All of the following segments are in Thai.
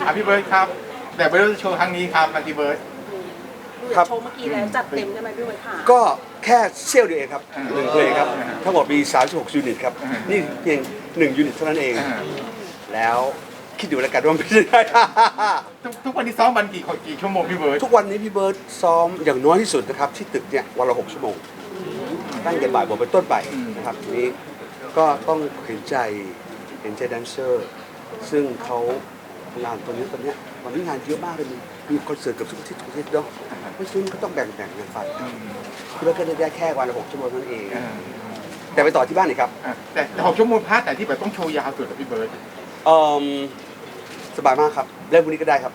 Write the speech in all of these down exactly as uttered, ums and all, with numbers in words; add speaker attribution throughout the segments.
Speaker 1: อ่ะพี่เบิร์ดครับแต่เบิร์ดโชว์ครั้งนี้ครับมาพี่เบิร์ด
Speaker 2: ดูจากโชว์เมื่อกี้แล้วจัดเต็มใช่ไหมพี่เบิร์ดค่ะ
Speaker 3: ก็แค่เซี่ยวเดียวเองครับ
Speaker 1: อ่า
Speaker 3: หนึ่งเพลงครับ
Speaker 1: อ่า
Speaker 3: ทั้งหมดมีสามสิบหกยูนิตครับ
Speaker 1: อ่านี่
Speaker 3: นี่เพียงหนึ่งยูนิตเท่านั้นเอง
Speaker 1: อ่า
Speaker 3: แล้วคิดดูแล้วกันว่ามันเป็นยังไง
Speaker 1: ทุกทุกวันนี้ซ้อมวันกี่คนกี่ชั่วโมงพี่เบิร์ด
Speaker 3: ทุกวันนี้พี่เบิร์ตซ้อมอย่างน้อยที่สุดนะครับที่ตึกเนี่ยวันละหกชั่วโมงตั้งแต่บ่ายโมงเป็นต้นไปนะครับทีนี้ก็ต้องเห็นใจเห็นใจแดนเซอร์ ซึ่งเขางานตัวนี้ตอนเนี้ยวันนี้งานเยอะมากเลยมีมีคอนเสิร์ตเกับทุกอาทิตย์ทุกอาทิตย์เนาะเพราะฉะนั้นก็ต้องแบ่งแบ่งกันไปพี่เบิร์ตก็ได้แค่วันละหกชั่วโมงเท่านั้นเอง
Speaker 1: อ่า
Speaker 3: แต่ไปต่อที่บ้านอีกครับ
Speaker 1: อ่ะแต่หกชั่วโมงพาร์ทแต่ที่แบบต้องโชว์ยาวสุดอะพี่เบิร์ด
Speaker 3: เอ่อสบายมากครับเริ่มวันนี้ก็ได้ครับ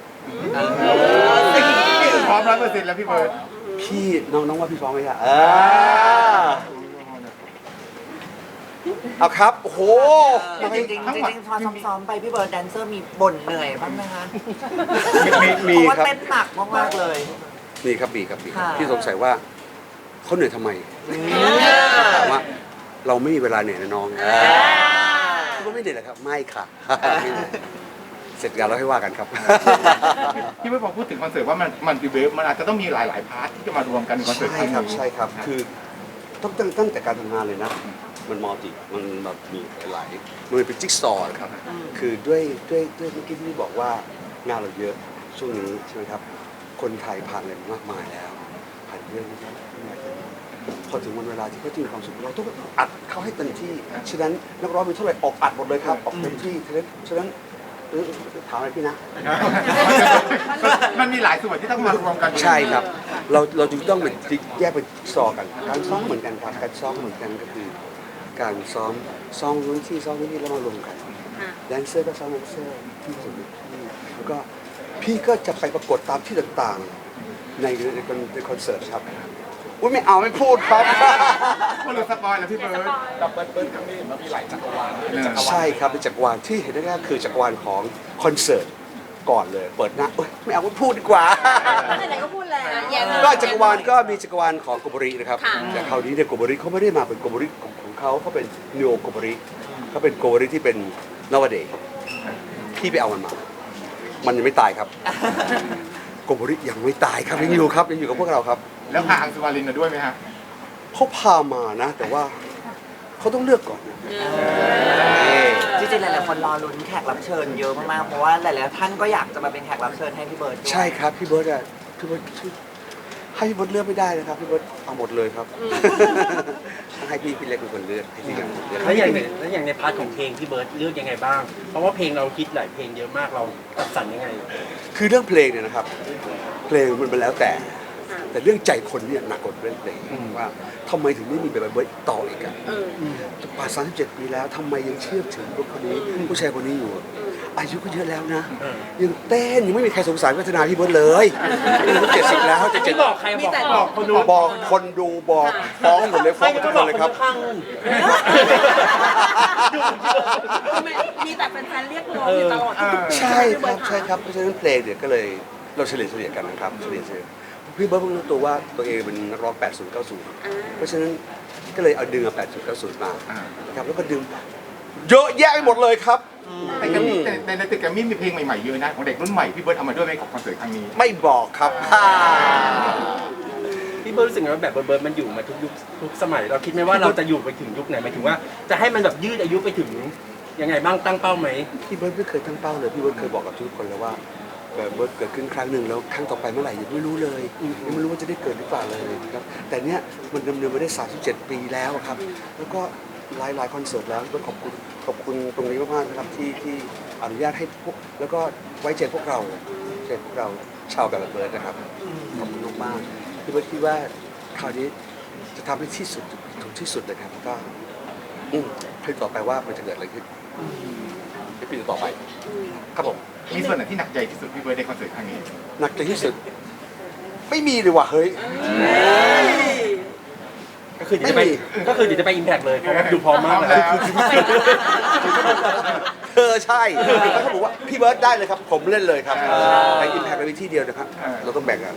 Speaker 1: พร้อมร้อยเปอร์เซ็นต์แล้วพี่เบิร์ด
Speaker 3: พี่น้องน้องว่าพี่ฟ้องไหมครับเออเอาครับโอ้โห
Speaker 4: จริงๆจริงๆจริงๆพอซ้อมๆไปพี่เบิร์ดแดนเซอร์มีบ่นเหนื่อยบ้างไหมคะ
Speaker 3: มี
Speaker 4: เพ
Speaker 3: มี
Speaker 4: ราะว่า
Speaker 3: ครับ
Speaker 4: เต้นหนักมากๆเลย
Speaker 3: มีครับมีครับมีครับ
Speaker 4: ค่ะ
Speaker 3: พี่สงสัยว่าเขาเหนื่อยทำไมถามว่าเราไม่มีเวลาเหนื่อยนะน้องพี่ว่าไม่เหนื่อยเหรอครับไม่ค่ะไม่เหนื่อยเสร็จงานแล้วให้ว่ากันครับ
Speaker 1: พี่เบิร์ดพอพูดถึงคอนเสิร์ตว่ามันมันคือเบิร์ดมันอาจจะต้องมีหลายๆพาร์ทที่จะมารวมกันในคอนเสิร์ต
Speaker 3: ใช่
Speaker 1: ง
Speaker 3: ครับ
Speaker 1: นี้
Speaker 3: ใช่ครับคือต้องตั้งตั้งแต่การทำงานเลยนะ มันมัลติมันแบบมีหลายมันเป็นจิ๊กซอว์ครับคือด้วยด้วยด้วยเมื่อกี้ที่บอกว่างานเราเยอะช่วงนี้ใช่ไหมครับคนไทยผ่านอะไรมากมายแล้วผ่านเรื่องนี้พอถึงวันเวลาที่เขาจะมีความสุขเราต้องอัดเขาให้เต็มที่ฉะนั้นนักร้องมีเท่าไหร่ออกอัดหมดเลยครับออกเต็มที่ฉะนั้นฉะนั้นเออถามอะไรพี่นะ
Speaker 1: มันมีหลายส่วนที่ต้องมารวมกัน
Speaker 3: ใช่ครับ เราเราจึงต้องเป็นแยกเป็นซอกัน การซ้อมเหมือนกันครับ การซ้อมเหมือนกันก็คือ การซ้อมซ้อมนู้นที่ซ้อมนี้แล้วมารวมกันแดนเซอร์ก็ซ้อมแดนเซอร์ที่สุดที่แล้วก็พี่ก็จะไปปรากฏตามที่ต่างๆ ในในคอนในคอนเสิร์ตครับอุ้ยไม่เอาไม่พูดครับ
Speaker 1: มันหลุดสปอยแล้วพี่เบิร์ด
Speaker 5: กับเบิ้ลเบิ้ลครั้งนี้มันมีหลายจักรวาลเป็นจักรวาล
Speaker 3: ใช่ครับเป็นจักรวาลที่เห็นได้ๆคือจักรวาลของคอนเสิร์ตก่อนเลย เปิดหน้าเอ้ยไม่เอาไม่พูดดีกว่า
Speaker 2: ไหนๆก็พูดแล้วแย่เลย
Speaker 3: ก็จักรวาลก็มีจักรวาลของโกโบรินะครับ
Speaker 2: ค่ะ
Speaker 3: แต่คราวนี้เนี่ยโกโบริเขาไม่ได้มาเป็นโกโบริของของเขาเขาเป็นนิโอโกโบริเขาเป็นโกโบริที่เป็นนวเดย์พี่ไปเอามันมา มันยังไม่ตายครับโกโบริยังไม่ตายครับยังอยู่ครับยังอยู่กับพวกเราครับ
Speaker 1: แล้วพาอังสุวารินมาด้วยไหมฮะ
Speaker 3: เขาพามานะ แต่ว่าเขาต้องเลือกก่อนนะ
Speaker 4: จริงๆหลายๆคนรอลุ้นแขกรับเชิญเยอะมากๆ เพราะว่าหลายๆท่านก็อยากจะมาเป็นแขกรับเชิญให้พี่เบิร์ดด้วย
Speaker 3: ใช่ครับพี่เบิร์ดอะพี่เบิร์ดให้พี่เบิร์ดเลือกไม่ได้นะครับพี่เบิร์ดเอาหมดเลยครับต้องให้พี่พี่เล็กเป็นคนเลือกให้พี่เล็กเป็นคนเลือก
Speaker 6: แล้วอย่างในแล้วอย่างในพาร์ทของเพลงพี่เบิร์ดเลือกยังไงบ้าง เพราะว่าเพลงเราคิดหลายเพลงเยอะมากเราจัดสรรยังไง
Speaker 3: คือเรื่องเพลงเนี่ยนะครับ เพลงมันเป็นแล้วแต่ แต่เรื่องใจคนเนี่ยหนักกว่าเรื่องเพลงว่าทำไมถึงไม่มีแบบเบิร์ดต่ออีกอะป่านสามสิบเจ็ดปีแล้วทำไมยังเชื่อถึงพวกคนนี้ผู้ชายคนนี้อยู่ อายุก็เยอะแล้วนะ ยังเต้นยังไม่มีใครสงสารวัฒนาพี่เบิร์ดเลยอายุเจ็ดสิบแล้วจะเจ็
Speaker 6: ไม่
Speaker 3: ด
Speaker 6: บอกใครบอกบอกคนดู
Speaker 3: บอกคนดูบอกฟ้องหมดเลยฟ้อง
Speaker 6: ไม่
Speaker 3: ทุ
Speaker 6: ก็
Speaker 3: ก
Speaker 6: บ
Speaker 3: ค
Speaker 6: อน ก
Speaker 3: เลย
Speaker 6: คน
Speaker 3: ครับ
Speaker 6: ข้างๆนู่น
Speaker 2: มีแต่แฟนๆเรียกร้องอยู่ตลอด
Speaker 3: ใช่ครับใช่ครับเพราะฉะนั้นเพลงเนี่ยก็เลยเราเฉลี่ยเฉลี่ยกันนะครับเฉลี่ยเฉลี่ยพี่เบิร์ดเพิ่งรู้ตัวว่าตัวเองเป็นนักร้องแปดศูนย์ เก้าศูนย์เพราะฉะนั้นก็เลยเอาดึงเอาแปดศูนย์ เก้าศูนย์มานะครับแล้วก็ดึงเยอะแยะไปหมดเลยครับ
Speaker 1: แต่แกรมมี่ในในตึกแกรมมี่มีเพลงใหม่ๆเยอะนะของเด็กรุ่นใหม่พี่เบิร์ดเอามาด้วยไหมกับคอนเสิร์ตครั้งนี้
Speaker 3: ไม่บอกครับ
Speaker 6: พี่เบิร์ดรู้สึกไงว่าแบบเบิร์ดมันอยู่มาทุกยุคทุกสมัย เราคิดไหมว่าเราจะอยู่ไปถึงยุคไหนหมายถึงว่าจะให้มันแบบยืดอายุไปถึงยังไงบ้างตั้งเป้าไหม
Speaker 3: พี่เบิร์ดไม่เคยตั้งเป้าเลยพี่เบิร์ดเคยบอกกับทุกคนแล้วว่าเบิร์ดเกิดขึ้นครั้งหนึ่งแล้วครั้งต่อไปเมื่อไหร่ยังไม่รู้เลยยังไม่รู้ว่าจะได้เกิดหรือเปล่าเลยนะครับแต่เนี้ยมันดำเนินมาได้สามสิบเจ็ดปีแล้วครับแล้วก็หลายหลายคอนเสิร์ตแล้วก็ขอบคุณขอบคุณตรงนี้มากๆนะครับที่ที่อนุญาตให้พวกแล้วก็ไว้ใจพวกเราใจพวกเราชาวแบบเบิร์ดนะครับขอบคุณมากๆพี่เบิร์ดคิดว่าคราวนี้จะทำให้ที่สุดถึงที่สุดเลยครับก็อืมให้ต่อไปว่ามันจะเกิดอะไรขึ้นในปีต่อไปครับผม
Speaker 1: มีส่วนไหนที่หนักใจที่สุดพี่เบิร์ดในคอนเสิร์ตครั้งนี้
Speaker 3: หนักใจที่สุดไม่มีเลยว่ะเฮ้ย
Speaker 6: ก็คือเดี๋ยวจะไปก็คือเดี๋ยวจะไปอิมแพกเลยเพราะว่าดูพร้อมมากเลย
Speaker 3: เออใช่แล้วเขาบอกว่าพี่เบิร์ดได้เลยครับ ผมเล่นเลยครับในอิมแพคในวิธีเดียวนะครับ เราต้องแบ่งกัน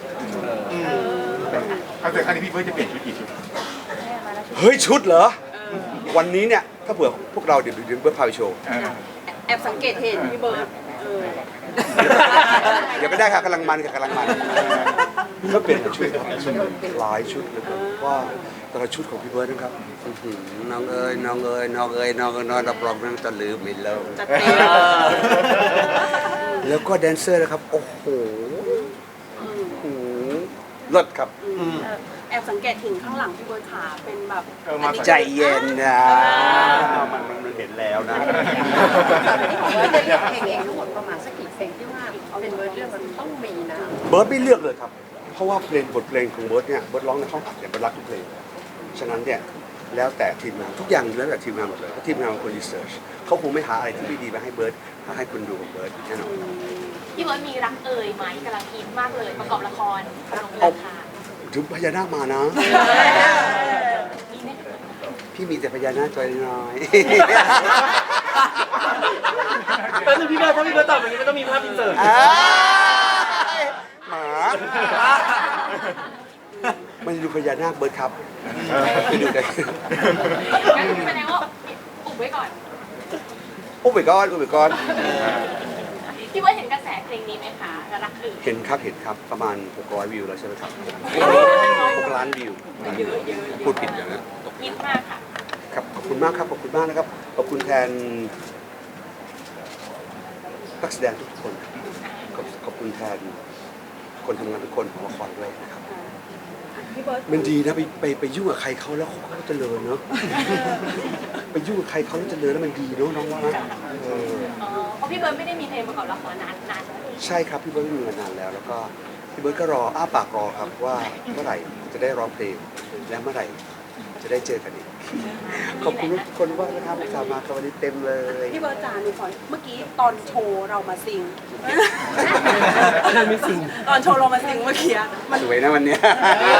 Speaker 1: คอนเสิร์ตครั้งนี้พี่เบิร์ดจะเปลี่ยนชุดกี่ชุด
Speaker 3: เฮ้ยชุดเหรอ วันนี้เนี่ยถ้าเผื่อพวกเราเดี๋ยวเดี๋ยวเบิร์ดพาไปโชว์
Speaker 1: เออ
Speaker 2: แอบสังเกตเห็นพี่เบิร์ดเออ
Speaker 3: เดี๋ยวก็ได้ค่ะกำลังมันค่ะกำลังมันก็เปลี่ยนชุดครับหลายชุดเลยครับว่าแต่ละชุดของพี่เบิร์ดนะครับอื้อหือน้องเอ๋ยน้องเอ๋ยน้องเอ๋ยน้องเอ๋ยน้องรับรองนั่งจะลืมไม่เลิก
Speaker 2: จัดเต็ม
Speaker 3: แล้วก็แดนเซอร์นะครับโอ้โหโอ้โหเลิศครับ
Speaker 2: อืมแอบสังเกตถึงข้างหลังพี่เบิร์ดขาเป็นแบบ
Speaker 1: เออมา
Speaker 3: ใจเย็นนะมันมันมันเห็นแล้วนะ
Speaker 7: เพลงเองทั้งหมดประมาณสักกี่เพลงที่ว่าเป็นเวอร์เรื่องมันต้องมีนะ
Speaker 3: เบิร์ดไม่เลือกเลยครับ เพราะว่าเพลงบทเพลงของเบิร์ดเนี่ยเบิร์ดร้องในห้องอัดเนี่ยเบิร์ดรักทุกเพลงฉะนั้นเนี่ยแล้วแต่ทีมงานทุกอย่างแล้วแต่ทีมงานหมดเลยเพราะทีมงานเป็นคนรีเสิร์ชเขาคงไม่หาอะไรที่ไม่ดีมาให้เบิร์ดมาให้คุณดูของเบิร์ดแน่นอน
Speaker 8: พี่เบิร์ดมีรักเอ่ยไหมกำลังฮิตมากเลยประกอบละครลง
Speaker 3: เอา
Speaker 8: ราคา
Speaker 3: ถึงพญานาคมานะ
Speaker 8: มีไหม
Speaker 3: พี่มีแต่พญานาคตัวน้อย
Speaker 6: แป๊บนึงพี่เบิร์ดถ้าพี่เบิร์ดตอบอย่างนี้มันต้องมีภาพอินเสิร์ต
Speaker 3: อ้ายหมาไม่ได้ดูพญานาคเบิร์ดครับไปดูกัน
Speaker 8: งั้นแสดงว่าอุบไว้ก่อน
Speaker 3: โอ้ไปก้อนโอ้ไปก้อน
Speaker 8: พี่เบิร์ดเห็นกระแสเพลงนี้ไหมคะรักเอ่ย
Speaker 3: เห็นครับเห็นครับประมาณหกร้อยวิวแล้วใช่ไหมครับหกล้านวิวพูดผิดอย่างนั้นตก
Speaker 8: ฮิตมากค่ะ
Speaker 3: ครับขอบคุณมากครับขอบคุณมากนะครับขอบคุณแทนนักแสดงทุกคนขอบขอบคุณแทนคนทำงานทุกคนของละครด้วยนะครับ
Speaker 2: พี่เบิร์ด
Speaker 3: มันดีนะไปไปไปยุ่งกับใครเขาแล้วเขาก็เจริญเนาะ ไปยุ่งกับใครเขาแล้วเจริญแล้วมันดีเนาะน้องว่านะเออ
Speaker 8: อ๋อเพราะพี่เบิร์ดไม่ได้มีเพลงประกอบละครนานนานแล้ว
Speaker 3: ใช่ครับพี่เบิร์ดไม่มีมานานแล้ว แล้วก็พี่เบิร์ดก็รออ้าปากรอครับว่าเมื่อไหร่จะได้ร้องเพลงและเมื่อไหร่จะได้เจอกันอีกขอบคุณทุกคนมากนะครับสามมาครับวันนี้เต็มเลย
Speaker 2: พี่เบิร์ดจาหนูขอเมื่อกี้ตอนโชว์เรามาซิง
Speaker 6: นั่นไม่จริง
Speaker 2: ตอนโชว์เรามาซิงเมื่อกี้มัน
Speaker 3: สวยนะวันเนี้ย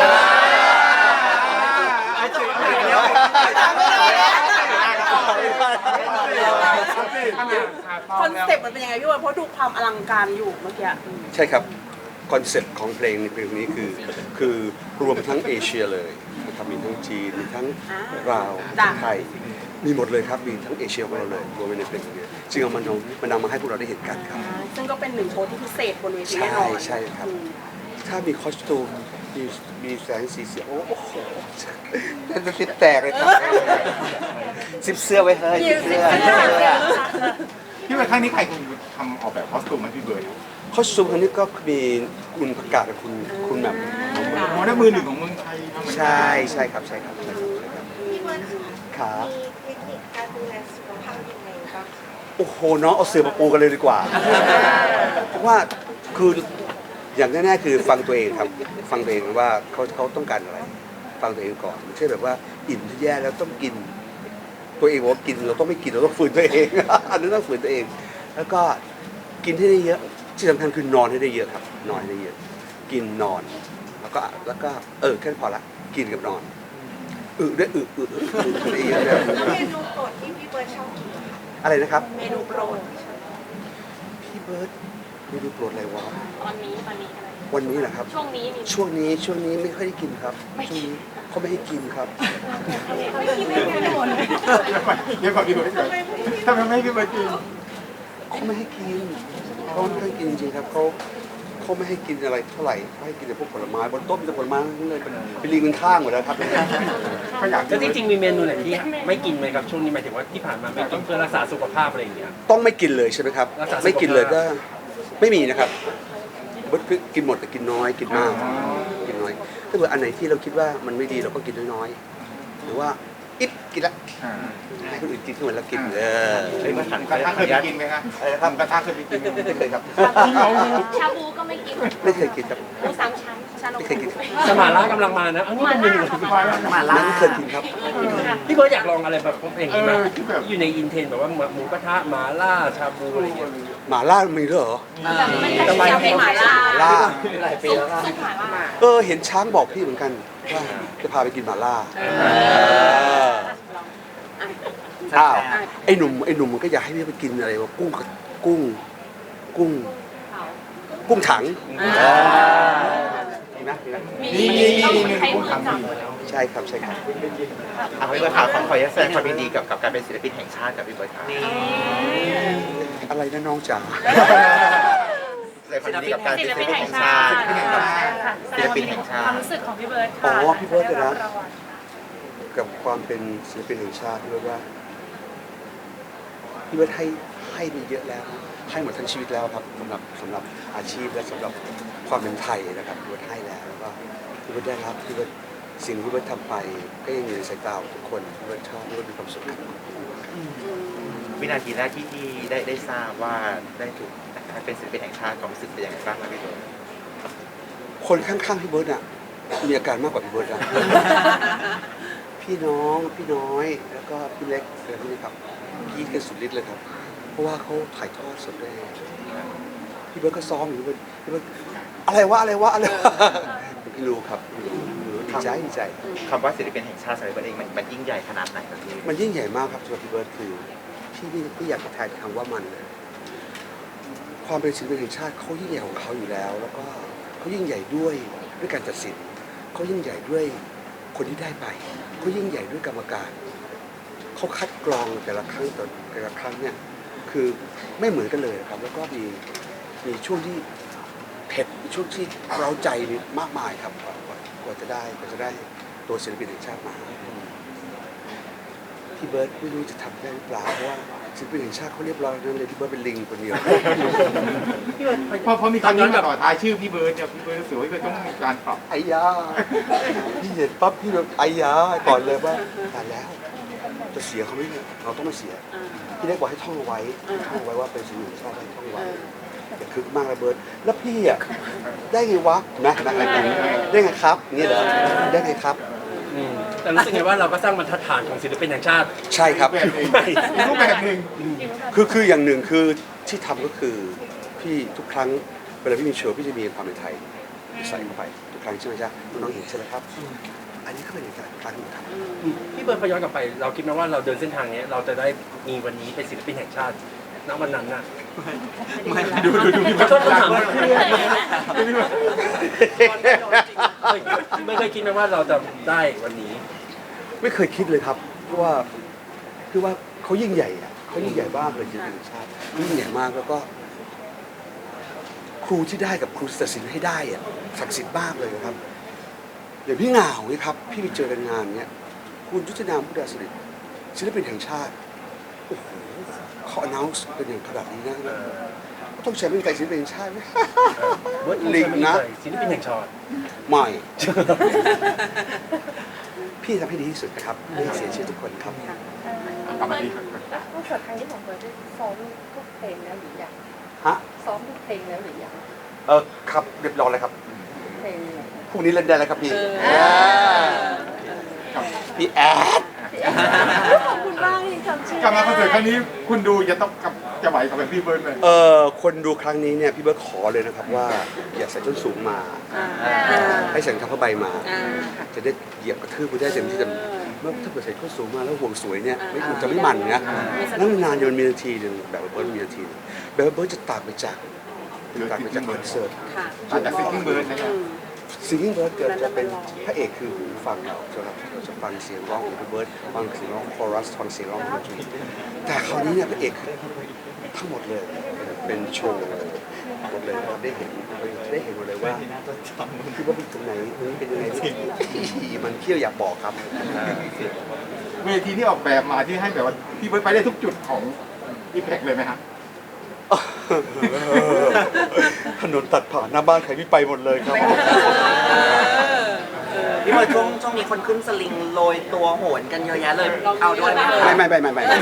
Speaker 2: คอนเซ็ปต์มันเป็นยังไงพี่เบิร์ดเพราะดูความอลังการอยู่เมื่อกี้
Speaker 3: ใช่ครับคอนเซ็ปต์ของเพลงในเพลงนี้คือคือรวมทั้งเอเชียเลยนะครับมีทั้งจีนมีทั้งลาวไทยมีหมดเลยครับมีทั้งเอเชียของเราเลยรวมไว้ในเพลงนี้จึงเอามันมันนำมาให้พวกเราได้เห็นกันครับ
Speaker 2: ซึ่งก็เป็นหนึ่งโชว์ที่พิเศษบนเวที
Speaker 3: ใช่
Speaker 2: แน่นอน
Speaker 3: ใช่ครับ ถ้ามีคอสตูมมีมีแสงสีเสียงโอ้โหจะซิบแตกเลยครับซิบเสื้อไว้เฮ้ยซิบเสื้อ
Speaker 1: พี่เบิร์ดครั้งนี้ใครคุณทำออกแบบคอสตูมให้พี่เบิร์ด
Speaker 3: คอสตูมครั้งนี้ก็มีคุณประกาศกับคุณคุณแบบ
Speaker 1: โอ้ได้มือหนึ่งของเมืองไทยทำเหมือนกัน
Speaker 3: ใช่ใช่ครับใช่ครับใช่ครับใช่ครับ
Speaker 7: พี่เบิร์ดคะ
Speaker 3: ขา
Speaker 7: มีเทคนิคการดูแลสุขภาพยังไงบ้าง
Speaker 3: โอ้โหน้องเอาเสือมาปูกันเลยดีกว่าเพราะว่าคืออย่างแน่ๆคือฟังตัวเองครับฟังตัวเองว่าเขาเขาต้องการอะไร ฟังตัวเองก่อนไม่ใช่แบบว่าอิ่มที่แย่แล้วต้องกิน ตัวเองบอกว่ากินเราต้องไม่กินเราต้องฝืนตัวเอง อันนี้ต้องฝืนตัวเอง แล้วก็กินให้ได้เยอะที่สำคัญคือนอนให้ได้เยอะครับ นอนให้ได้เยอะ กินนอน แล้วก็แล้วก็เออแค่นั้นพอละกินกับนอนอึด้วยอึอึอึอึอึได้เยอะเลย
Speaker 7: แล้วเมนูโปรดที่พี่เบิร์ดชอบกินเหรอคะ
Speaker 3: อะไรนะครับ
Speaker 2: เมนูโปรด
Speaker 3: พี่เบิร์ดเมนูโปรดอะไรวะ
Speaker 8: ตอนนี้ตอนนี้อะไร
Speaker 3: วันนี้เหรอครับ
Speaker 8: ช่วงนี้มี
Speaker 3: ช่วงนี้ช่วงนี้ไม่ค่อยได้กินครับช่วงนี้เขาไม่ให้กินครับ
Speaker 8: ไม่คิดไม่คิดไม่หมดเลย
Speaker 1: เดี๋ยวก่อนพี่เบิร์ดทำไมไม่ให้พี่เบิร์ดกิน
Speaker 3: เขาไม่ให้กินเขาไม่ให้กินจริงๆครับเขาเขาไม่ให้กินอะไรเท่าไหร่เขาให้กินแต่พวกผลไม้บนโต๊ะมีแต่ผลไม้ทั้งนั้นเลยเป็นลิงเป็นข้างหมดแล้วครับ
Speaker 1: เขาอยาก
Speaker 6: แล้วจริงๆมีเมนูไหนที่ไม่กินไหมครับช่วงนี้หมายถึงว่าที่ผ่านมาไม่กินเพื่อรักษาสุขภาพอะไรอย่างเงี้ย
Speaker 3: ต้องไม่กินเลยใช่ไหมครับ
Speaker 6: รักษาสุขภาพ
Speaker 3: ไม่กินเลยก็ไม่มีนะครับเบิร์ดกินหมดแต่กินน้อยกินมากกินน้อยถ้าเกิดอันไหนที่เราคิดว่ามันไม่ดีเราก็กินน้อยๆหรือว่าอิ๊บกินละให้คนอื่นกินทั้งหมดแล้วกินเออ
Speaker 1: หมูกระทะเคยไปกินไหมครับหมูกระทะเคยไปกินไหม
Speaker 3: ไม่เคยครับ
Speaker 8: ชาบูก็ไม่กิน
Speaker 3: ไม่เคยกินครับ
Speaker 8: หมูสามชั้นชานม
Speaker 3: ไม่เคยกิน
Speaker 6: สมาล่ากำลังมานะอันนี้เป็นเมนู
Speaker 4: มาล่า
Speaker 3: ไม่เคยกินครับ
Speaker 6: พี่เบิร์ดอยากลองอะไรแบบอย่างนี้ไหม
Speaker 1: เออที่แบบ
Speaker 6: อยู่ในอินเทรนด์แบบว่าหมูกระทะหมาล่าชาบูอะไรอย่างเงี้ย
Speaker 3: หมาล่ามีด้วยเหรอ
Speaker 8: มันจะเป็นเป็นหมาล่า
Speaker 3: หมาล่า
Speaker 4: หลายปีแล้วนะ
Speaker 8: ซุปหมาล่า
Speaker 3: เออเห็นช้างบอกพี่เหมือนกันว่าจะพาไปกินหมาล่าอ้าวไอ้หนุ่มไอ้หนุ่มมันก็อยากให้พี่ไปกินอะไรวะกุ้งกุ้งกุ้ง กุ้งถังมีไหมมีไหม
Speaker 8: มีมีมีใช้มือจับ
Speaker 3: ใช่ครับใช่ครับ
Speaker 5: อ่ะพี่เบิร์ดค่ะขอขออนุญาตแสดงความยินดีกับกับการเป็นศิลปินแห่งชาติกับพี่เบิร์ดค่ะ
Speaker 4: นี่
Speaker 3: อะไรนะน้องจ๋า
Speaker 5: แสดงความยินดีกับการเป็นศิลปินแห่งชาติศิลปินแห่งชาติ
Speaker 2: ความรู้สึกของพี่เบิร์ด
Speaker 3: อ๋
Speaker 2: ค่ะ
Speaker 3: อพี่เบิร์ดเลยนะ
Speaker 2: ได้บรางวัล
Speaker 3: กับความเป็นศิลปินแห่งชาติพี่เบิร์ดว่าพี่เบิร์ดให้ให้มีเยอะแล้วให้หมดทั้งชีวิตแล้วครับสำหรับสำหรับอาชีพและสำหรับความเป็นไทยนะครับพี่เบิร์ดให้แล้วแล้วก็พี่เบิร์ดได้รับพี่เบิร์ดสิ่งที่พี่เบิร์ดทำไปก็ยังอยู่ในสายตาของทุกคนพี่เบิร์ดชอบพี่เบิร์ดมีความสุขครับ
Speaker 5: วินาทีแรกที่ที่ได้ได้ทราบว่าได้ถูกให้เป็นศิลปินแห่งชาติความรู้สึกเป็นยังไงบ้างครับพี่เบิร์ด
Speaker 3: คนข้างๆพี่เบิร์ดอ่ะมีอาการมากกว่าพี่เบิร์ดนะ พี่น้องพี่น้อยแล้วก็พี่เล็กอะไรพวกนี้ครับพี่กันสุดฤทธิ์เลยครับ เพราะว่าเขาถ่ายทอดสดได้พี่เบิร์ดก็ซ้อมอยู่พี่เบิร์ดพี่เบิร์ดอะไรวะอะไรวะอะไรวะ พี่รู้ครับพี่รู้ดีใจดีใจ
Speaker 5: คำว่าศิลปินแห่งชาติสำหรับพี่เบิร์ดเองมันมันยิ่งใหญ่ขนาดไหนครับพี่
Speaker 3: มันยิ่งใหญ่มากครับสำหรับพี่เบิร์ดคือพี่ไม่ไม่อยากจะแทนคำว่ามันเลยความเป็นศิลปินแห่งชาติเขายิ่งใหญ่ของเขาอยู่แล้ว แล้วก็เขายิ่งใหญ่ด้วยด้วยการตัดสินเขายิ่งใหญ่ด้วยคนที่ได้ไปเขายิ่งใหญ่ด้วยกรรมการเขาคัดกรองแต่ละครั้งต่อแต่ละครั้งเนี่ยคือไม่เหมือนกันเลยครับ แล้วก็มีมีช่วงที่เผ็ดมีช่วงที่เร้าใจนี่มากมายครับกว่ากว่ากว่าจะได้กว่าจะได้ตัวศิลปินแห่งชาติมาพี่เบิร์ดไม่รู้จะทำได้หรือเปล่าเพราะว่าศิลปินแห่งชาติเขาเรียบร้อยนั่นเลยพี่เบิร์ดเป็นลิงคนเดียว
Speaker 1: พอพอมีคำนี้มาต่อท้ายชื่อพี่เบิร์ดเนี่ยพี่เบิร์ดรู้สึกว่าพี่เบิร์ดต้องมีการปรับ
Speaker 3: ไอ้ยาพี่เห็นปั๊บพี่แบบไอ้ยาก่อนเลยว่าตายแล้วจะเสียเขาไหมเนี่ยเราต้องไม่เสียพี่ได้บอกให้ท่องเอาไว้ท่องเอาไว้ว่าเป็นศิลปินแห่งชาติได้ท่องเอาไว้อย่าคึกมากนะเบิร์ดแล้วพี่อ่ะได้ไงวะนะนะอะไรอย่างเงี้ยได้ไงครับนี่เหรอได้ไงครับ
Speaker 6: อืมแต่รู้สึกไงว่าเราก็สร้างบรรทัดฐานของศิลปินแห่งชาติ
Speaker 3: ใช่ครับ
Speaker 1: แบบหนึ่งอีกรูปแบบหนึ่ง
Speaker 3: คือคืออย่างหนึ่งคือที่ทำก็คือพี่ทุกครั้งเวลาพี่มีโชว์พี่จะมีความเป็นไทยใส่เข้าไปทุกครั้งใช่ไหมจ๊ะน้องๆเห็นใช่ไหมครับ อันนี้ก็เป็นอีกครั้งหนึ่งครับ
Speaker 6: พี่เบิร์ดพอย้อนกลับไปเราคิดไหมว่าเราเดินเส้นทางนี้เราจะได้มีวันนี้เป็นศิลปินแห่งชาติณวันนั้นน่ะ
Speaker 1: ดูดูดูพี่
Speaker 6: ขอ
Speaker 1: เบิร์ด
Speaker 6: โทษ
Speaker 1: หลั
Speaker 6: คำ
Speaker 1: ง
Speaker 6: ถาม ไม่เคยคิดไหมว่าเราจะได้วันนี้
Speaker 3: ไม่เคยคิดเลยครับเพราะว่าคือว่าเขายิ่งใหญ่อะเขายิ่งใหญ่มากเลยจริงๆชาติยิ่งใหญ่มากแล้วก็ ครูที่ได้กับครูตัดสินให้ได้อะศักดิ์สิทธิ์มากเลยนะครับอย่างพี่เหงาเนี่ยครับพี่ไปเจอกันงานเนี้ยคุณยุทธนามพุทธศิริศิลปินแห่งชาติโอ้โหเขาอนาวส์เป็นอย่างขนาดนี้นะต้องใช้เป็นไก่ศิลปินแห่งชาติไหม ลิงนะ
Speaker 6: ศิลปินแห่งชาติ
Speaker 3: ไม่ พี่ทำให้ดีที่สุดนะครับไม่ให้เสียชื่อทุกคนครับ
Speaker 1: กลับมาที่
Speaker 7: คอนเสิร์ตครั้งนี้ของเบิร์ดได้ซ้อมทุกเพลงแล้วหรือยัง
Speaker 3: ฮะ
Speaker 7: ซ้อมทุกเพลงแล้วหรือยัง
Speaker 3: เออครับเรียบร้อยแล้วครับ
Speaker 7: เพลง
Speaker 3: พรุ่งนี้เล่นได้แล้วครับพี่พี่แอด
Speaker 2: ขอบคุณมากที่จำชื่อก
Speaker 1: ลับมาคอนเสิร์ตครั้งนี้คุณดูจะต้องกับจะไหวกับพี่เบิร์ดไหม
Speaker 3: เออคนดูครั้งนี้เนี่ยพี่เบิร์ดขอเลยนะครับว่าอย่าใส่ส้นสูงมา ให้ใส่รองเท้าผ้าใบมา จะได้เหยียบกระทืบไปได้เต็มที่แต่เมื่อถ้าเกิดใส่ส้นสูงมาแล้วห่วงสวยเนี่ยไม่มันจะไม่มันนะนั่งนานจนมีนาทีหนึ่งแบบเบิร์ดมีนาทีหนึ่งแบบเบิร์ดจะต่างไปจากต่างไปจากคอนเสิร์ต
Speaker 2: ค่ะ
Speaker 1: อาจจะซิงกิ้งเบิร์ดนะครับ
Speaker 3: ซิงกิ้งเบิร์ดเกิดจะเป็นพระเอกคือหูฟังเราจะรับเราจะฟังเสียงร้องของพี่เบิร์ดฟังเสียงร้องคอรัสฟังเสียงร้องของดนตรีแต่คราวนี้เนี่ยพระเอกทั้งหมดเลยเป็นโชว์หมดเลยเราได้เห็นได้เห็นหมดเลยว่าคือว่าเป็นตรงไหนมันเป็นยังไงมันเที่ยวอยากบอกครับ
Speaker 1: เวทีที่ออกแบบมาที่ให้แบบว่าพี่เบิร์ดไปได้ทุกจุดของอีแพคเลยไหมฮะ
Speaker 3: ถนนตัดผ่านหน้าบ้านใครไม่ไปหมดเลยครับ
Speaker 4: พี่เบิร์ดช่วงช่วงนี้คนขึ้นสลิงโรยตัวโหนกันเยอะแยะเลย เอาด้วยไหม
Speaker 3: ไม่ไม่ไม่ไม่ไม่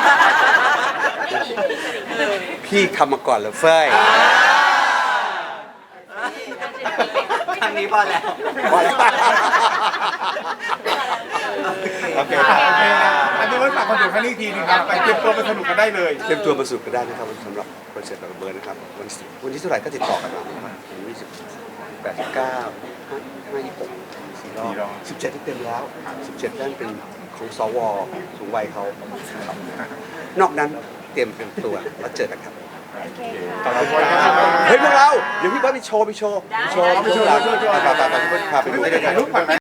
Speaker 3: พี่ทำมาก่อนเลยเฟ้ย
Speaker 4: ครั้งนี้พอแล้ว
Speaker 3: โอเค
Speaker 1: โอเคนะอันนี้ว่าฝากคอนเสิร์ตครั้งนี้อีกทีหนึงครับไปเตรียมตัวไปสนุกกันได้เลย
Speaker 3: เตรียมตัวมาสู่กันได้นะครับสำหรับคอนเสิร์ตแบบเบิร์ดนะครับวันที่วันที่เท่าไหร่ก็ติดต่อกันมาวันที่สิบแปดสิบเก้าห้าห้ายี่สิบหกสี่รอบสิบเจ็ดที่เต็มแล้วสิบเจ็ดนั่นเป็นของสวสูงวัยเขานอกนั้นเตรียมเป็นตัวแล้วเจอกันครับ
Speaker 1: ขอบคุณครับ
Speaker 3: เฮ้ยพวกเราเดี๋ยวพี่เบิร์ดไปโชว์ไปโชว์ไปโชว์ไปโชว์ไปโชว์ไปโชว์ไปโชว์ไปโชว์ไปโชว์ไปโชว์ไปโชว์ไปโชว์
Speaker 1: ถ่ายรูปก่อนไหม